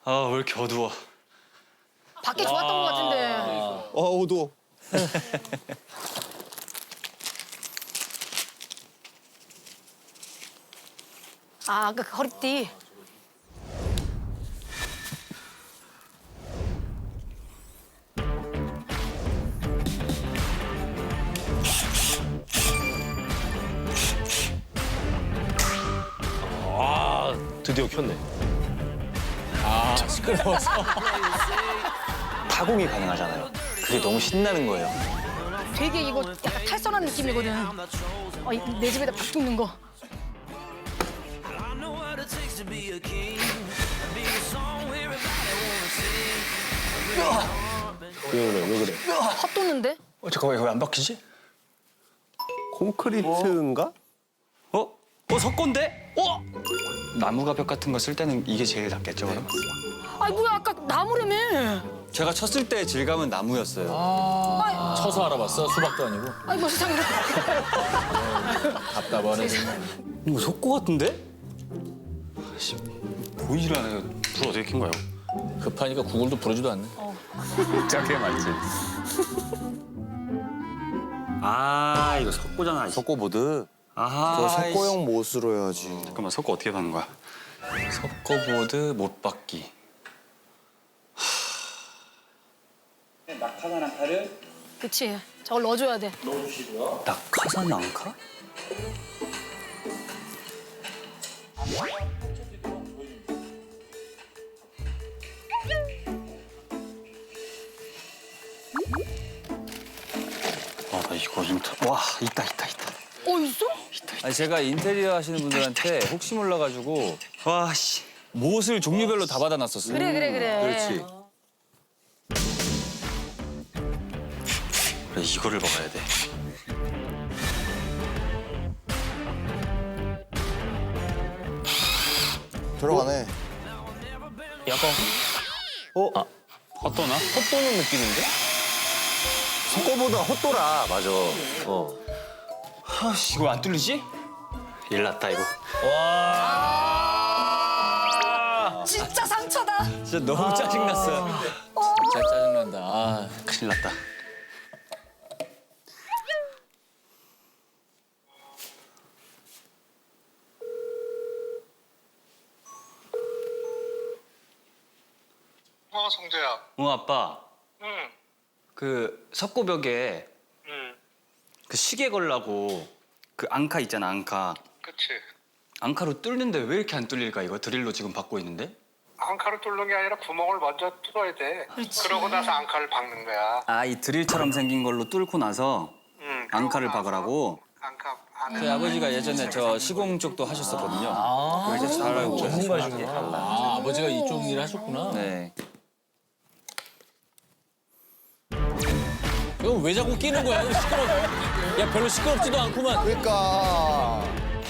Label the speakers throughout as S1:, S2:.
S1: 아, 왜 이렇게 어두워.
S2: 밖에 좋았던 것 같은데.
S3: 어두워.
S2: 아, 아까 그 허리띠.
S3: 드디어 켰네.
S4: 시끄러워서.
S1: 타공이 가능하잖아요. 그게 너무 신나는 거예요.
S2: 되게 이거 약간 탈선한 느낌이거든. 내 집에다 팍 뚫는 거.
S3: 왜 그래?
S2: 헛도는데?
S1: 잠깐만, 이거 왜 안 바뀌지?
S3: 콘크리트인가?
S1: 석고인데? 나무가 벽 같은 거 쓸 때는 이게 제일 낫겠죠, 그럼?
S2: 아이 뭐야 아까 나무라며.
S1: 제가 쳤을 때 질감은 나무였어요.
S4: 쳐서 알아봤어? 수박도 아니고.
S2: 아이 뭐 세상에.
S4: 답답하네.
S1: 이거 석고 같은데? 아씨, 보이질 않아요. 불 어떻게 킨 거예요?
S4: 급하니까 구글도 부르지도 않네.
S1: 그게 맞지. 아, 이거 석고잖아.
S3: 석고보드.
S1: 아하.
S3: 저 석고형 못으로 해야지.
S1: 잠깐만, 석고 어떻게 받는 거야? 석고보드 못 받기. 낙하산 앙카를
S2: 그치. 저걸 넣어줘야 돼.
S1: 낙하산 앙카? 나 이거 와, 있다.
S2: 있어?
S4: 아니 제가 인테리어 하시는 분들한테 혹시 몰라가지고
S1: 와, 씨.
S4: 못을 종류별로 다 받아놨었어요.
S2: 그래.
S3: 그렇지.
S1: 그래, 이거를 먹어야 돼.
S3: 들어가네.
S4: 약간
S1: 헛도나?
S4: 헛도는 느낌인데?
S3: 석고보다 헛돌아. 맞아.
S1: 아씨, 이거 안 뚫리지? 일 났다, 이거.
S2: 진짜 상처다.
S4: 진짜 너무 짜증났어요. 진짜 짜증난다. 아.
S1: 큰일 났다.
S5: 성재야.
S1: 아빠.
S5: 응.
S1: 그 석고벽에
S5: 응.
S1: 그 시계 걸라고 그 앙카 있잖아, 앙카.
S5: 그치.
S1: 앙카로 뚫는데 왜 이렇게 안 뚫릴까, 이거? 드릴로 지금 받고 있는데?
S5: 앙카를 뚫는 게 아니라 구멍을 먼저 뚫어야 돼. 그러고 나서 앙카를 박는 거야.
S1: 아, 이 드릴처럼 생긴 걸로 뚫고 나서
S5: 응.
S1: 앙카를 박으라고?
S5: 앙카 안에.
S4: 저희 아버지가 예전에 저 시공 쪽도 하셨었거든요. 그래서 잘 알고
S3: 전문가시구나.
S4: 아, 아버지가 이쪽 일을 하셨구나.
S1: 네.
S4: 이거 왜 자꾸 끼는 거야? 야, 별로 시끄럽지도 않구만.
S3: 그러니까.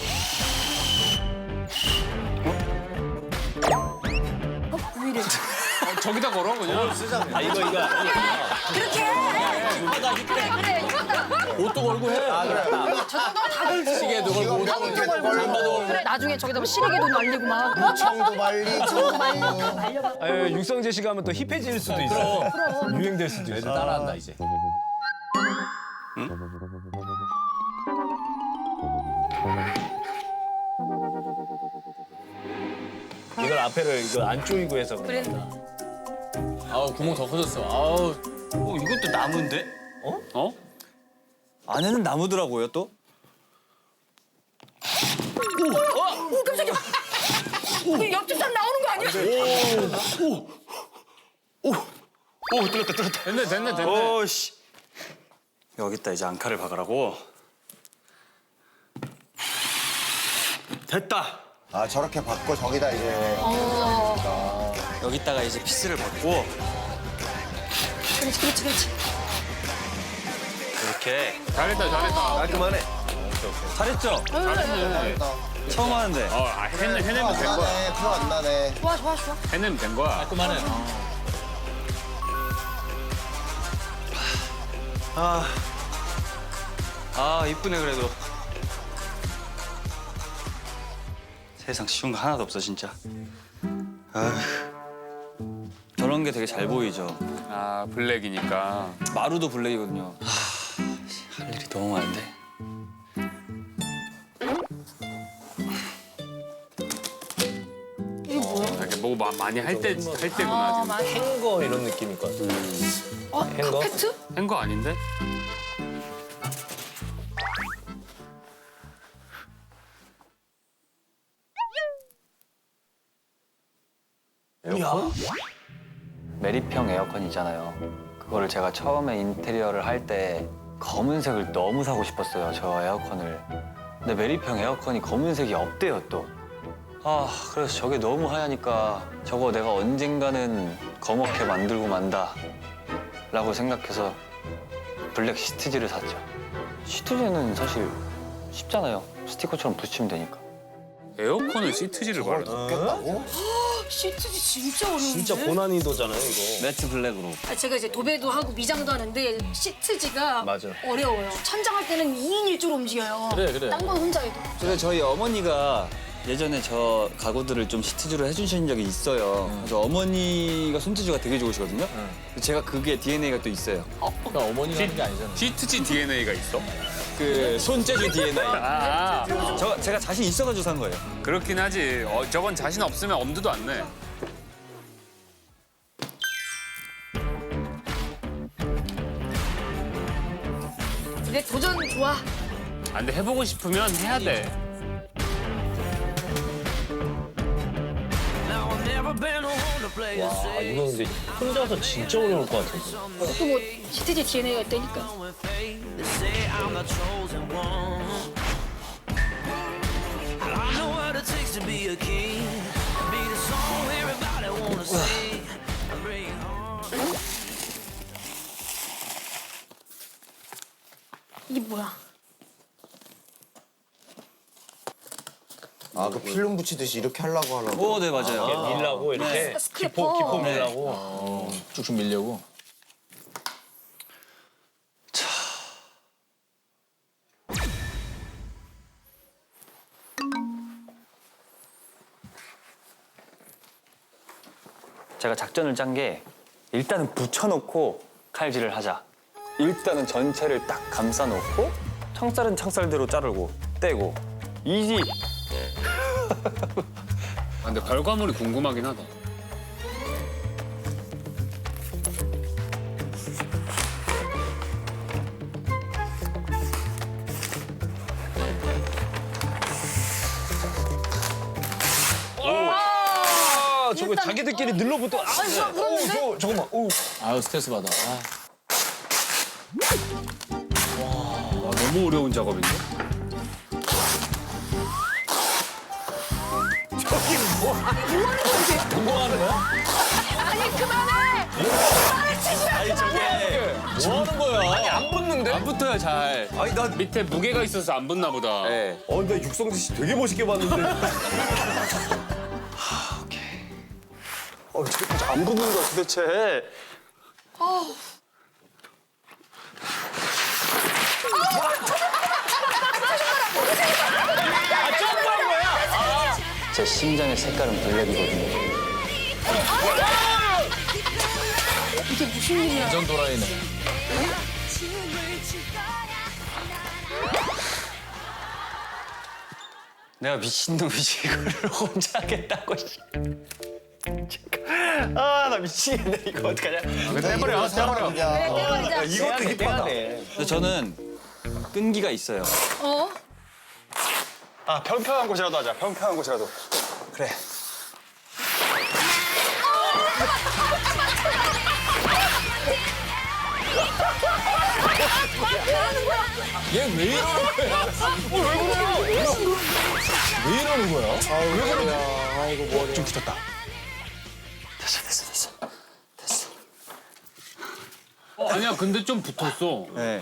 S4: 저기다 걸어, 그냥. 아, 이거.
S2: 그렇게 해. 그래 이거다.
S4: 옷도 걸고 해.
S2: 저 정도면 다 걸고.
S4: 시계도 걸고, 옷도 걸고, 잠바도 걸고.
S2: 그래 나중에 저기다 뭐 시래기도 날리고 막.
S3: 청도 말리고.
S2: 다 말려봐.
S6: 육성재 씨가 하면 또 힙해질 수도 있어. 유행될 수도 있어.
S4: 애들 따라한다, 이제.
S6: 이걸 앞에를 이거 안 조이고 해서
S2: 그래.
S4: 아우, 구멍 더 커졌어. 아우.
S1: 이것도 나무인데? 어? 안에는 나무더라고요, 또?
S2: 오 깜짝이야. 그 옆집 사람 나오는 거 아니야?
S1: 뚫렸다.
S4: 됐네.
S1: 오씨. 여기다 이제 앙카를 박으라고. 됐다.
S3: 아 저렇게 받고 저기다 이제.
S1: 여기다가 이제 피스를 받고
S2: 그렇지.
S1: 이렇게.
S4: 잘했다.
S3: 깔끔하네.
S1: 잘했죠? 처음 하는데.
S4: 해내면 된 거야.
S3: 나네. 표 안 나네.
S2: 좋아.
S4: 해내면 된 거야. 깔끔하네.
S1: 이쁘네, 그래도. 세상 쉬운 거 하나도 없어, 진짜. 아휴.
S4: 게 되게 잘 보이죠.
S7: 아 블랙이니까.
S4: 마루도 블랙이거든요.
S1: 할 일이 너무 많은데.
S2: 이게 뭐야?
S7: 이렇게 뭐 많이 할 때구나 지금.
S2: 맞아.
S6: 행거 이런 느낌일 것 같아. 행거?
S2: 카페트?
S7: 한 거 아닌데?
S1: 메리평 에어컨이잖아요. 그거를 제가 처음에 인테리어를 할 때 검은색을 너무 사고 싶었어요, 저 에어컨을. 근데 메리평 에어컨이 검은색이 없대요, 또. 아, 그래서 저게 너무 하얘니까 저거 내가 언젠가는 검게 만들고 만다 라고 생각해서 블랙 시트지를 샀죠. 시트지는 사실 쉽잖아요. 스티커처럼 붙이면 되니까.
S7: 에어컨을 시트지를 발라.
S3: 꼈다고?
S2: 시트지 진짜 어려운데?
S6: 진짜 고난이도잖아요, 이거.
S4: 매트 블랙으로.
S2: 제가 이제 도배도 하고 미장도 하는데 시트지가
S6: 맞아.
S2: 어려워요. 천장할 때는 2인 1조로 움직여요.
S6: 그래.
S2: 딴 건 혼자 해도.
S4: 그래서 저희 어머니가 예전에 저 가구들을 좀 시트지로 해주신 적이 있어요. 그래서 어머니가 손재주가 되게 좋으시거든요. 제가 그게 DNA가 또 있어요.
S6: 그러니까 어머니가 하는 게 아니잖아.
S7: 시트지 DNA가 있어?
S4: 그 손재주 DNA.
S7: 아
S4: 제가 자신 있어가지고 산 거예요.
S7: 그렇긴 하지. 저건 자신 없으면 엄두도 안 내.
S2: 근데 도전 좋아.
S7: 아, 근데 해보고 싶으면 해야 돼.
S6: 와, 이거 근데 혼자서 진짜 어려울 것 같은데.
S2: 또 뭐 시트지 DNA가 있다니까. 이게 뭐야?
S3: 아, 그 필름 붙이듯이 이렇게 하려고 하려고.
S4: 네 맞아요.
S6: 밀라고 이렇게
S2: 스크래퍼.
S6: 기포 밀라고. 쭉쭉 밀려고.
S1: 제가 작전을 짠 게 일단은 붙여놓고 칼질을 하자. 일단은 전체를 딱 감싸놓고 창살은 창살대로 자르고 떼고 이지.
S7: 아, 근데 결과물이 궁금하긴 하다.
S6: 아, 저거 자기들끼리 늘러붙어. 아,
S2: 진짜 무섭는데?
S6: 잠깐만. 오.
S8: 아유 스트레스 받아.
S7: 와, 너무 어려운 작업인데?
S6: 공부하는 거야?
S2: 아니 그만해! 그만해 치지 마!
S6: 뭐 하는 거야? 아니, 안 붙는데?
S4: 안 붙어요 잘.
S7: 아니 나 밑에 무게가 있어서 안 붙나 보다.
S4: 네.
S6: 근데 육성재 씨 되게 멋있게 봤는데.
S1: 안 붙는 거야 도대체. 제 심장의 색깔은 블랙이거든요.
S2: 이게 무슨 일이야?
S8: 완전 도라이네.
S1: 내가 미친놈이지 이거를 혼자 하겠다고. 아 나 미치겠네 이거 어떡하냐.
S7: 근데 해버려, 해버려.
S2: 떼버리자.
S3: 이것도 힙하다.
S4: 근데 저는 끈기가 있어요.
S2: 어?
S1: 아 평평한 곳이라도 하자. 평평한 곳이라도. 그래.
S6: 얘 왜 이러는 거야? 왜 이러는 거야? 왜 그러냐? 아이고 머리. 좀 붙었다.
S1: 됐어.
S7: 아니야, 근데 좀 붙었어.
S4: 네.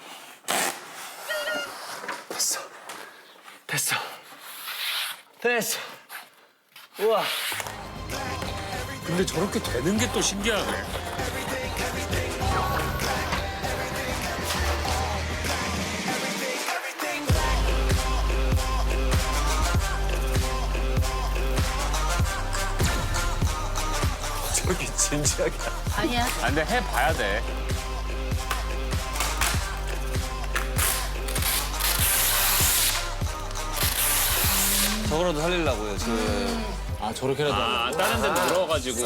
S1: 됐어. 우와.
S7: 근데 저렇게 되는 게 또 신기하네.
S6: 이렇게 진지하게.
S2: 아니야.
S7: 아, 근데 해봐야 돼.
S4: 저거라도 살리려고요.
S8: 아 저렇게라도
S7: 아, 다른 데 늘어가지고.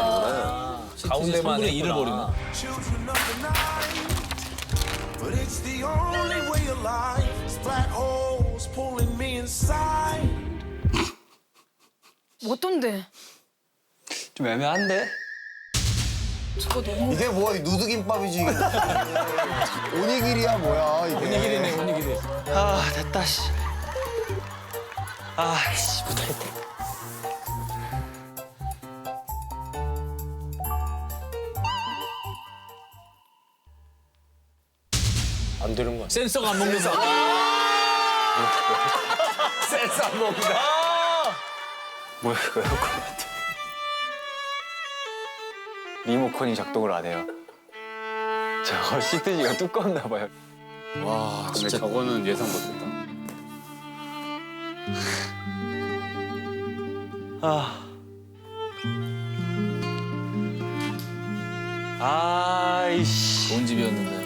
S8: 가운데만 3분의 1을 버리나?
S9: But it's the only way alive. Black holes pulling me inside.
S2: 어떤데?
S1: 좀 애매한데?
S2: 저거 너무.
S3: 이게 뭐야? 이 누드김밥이지. 오니기리야 뭐야 이게.
S8: 오니기리네 오니기리.
S1: 아 됐다 씨. 아씨 못하겠다.
S6: 안 되는 거야.
S8: 센서가 안 먹는다.
S6: 센스 안 먹는다.
S1: 뭐야 이거 에어컨 같아. 리모컨이 작동을 안 해요. 저거 시트지가 두껍나 봐요.
S7: 와, 근데 저거는 예상 못했다.
S1: 아이씨.
S8: 좋은 집이었는데.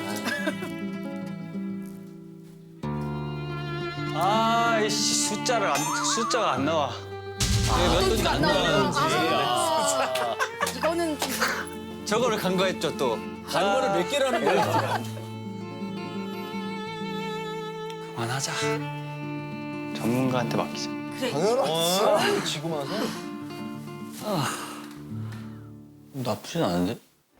S1: 아이씨 숫자가 안 나와.
S2: 몇
S8: 돈인지 안 나와요.
S2: 이거는
S1: 저거를 간과했죠 또.
S8: 단거를 몇 개를 하는 거야?
S1: 그만하자. 전문가한테 맡기자.
S3: 당연하지. 지고 나서.
S1: 나쁘진 않은데?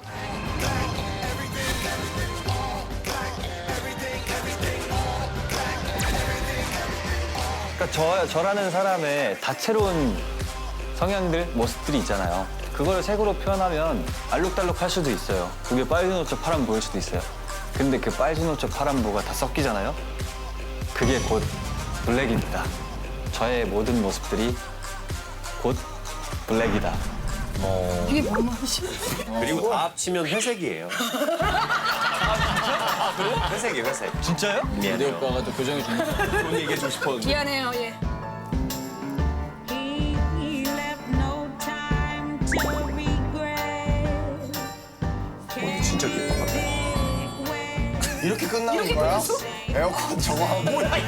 S1: 그러니까 저라는 사람의 다채로운 성향들, 모습들이 있잖아요. 그걸 색으로 표현하면 알록달록할 수도 있어요. 그게 빨주노초 파란 보일 수도 있어요. 근데 그 빨주노초 파란보가 다 섞이잖아요. 그게 곧 블랙입니다. 저의 모든 모습들이 곧 블랙이다.
S2: 이게 뭔 말이지?
S6: 그리고 다 합치면 회색이에요. 회색이에요, 회색.
S1: 진짜요?
S8: 우리 오빠가 또 교정해 주는 거.
S6: 좋은 얘기 해주고 싶었는데.
S2: 미안해요, 예.
S10: He left no time to regret.
S3: 진짜 기뻐. 이렇게 끝나는 거야? 에어컨 저거 하고.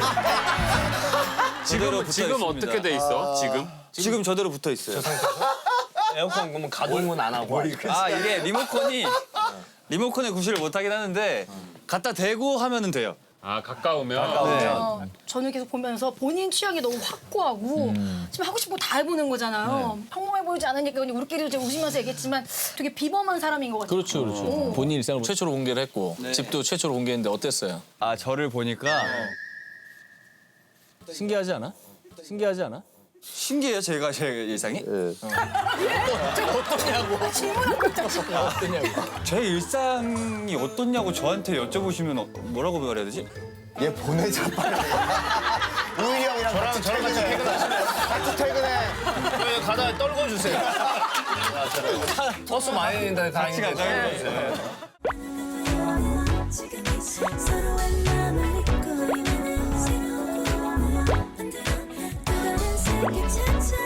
S7: 지금 어떻게 돼 있어?
S4: 지금 저대로 붙어 있어요.
S6: 에어컨 그러면 가동은 안 하고.
S4: 아 이게 리모컨에 구실을 못 하긴 하는데 갖다 대고 하면은 돼요.
S7: 아, 가까우면.
S2: 저는 계속 보면서 본인 취향이 너무 확고하고 지금 하고 싶은 거 다 해보는 거잖아요. 평범해 보이지 않으니까 그냥 우리끼리 좀 웃으면서 얘기했지만 되게 비범한 사람인 것 같아요.
S8: 그렇죠 그렇죠. 본인 일상을 최초로 공개를 했고 집도 최초로 공개했는데 어땠어요?
S4: 아 저를 보니까
S8: 신기하지 않아? 신기하지 않아?
S4: 신기해요 제가 제 일상이. 제 일상이 어떻냐고 저한테 여쭤보시면 뭐라고 말해야 되지?
S3: 얘 보내자 빨리. 우일이 형이랑 같이 퇴근해. 같이 퇴근해.
S6: 가다 떨궈 주세요. 버스 많이 낸다
S4: 같이 가자.
S10: 지금 이 서로의 마음을 믿고 있는 새로운 꿈을 만들어 또 다른 세계 찾아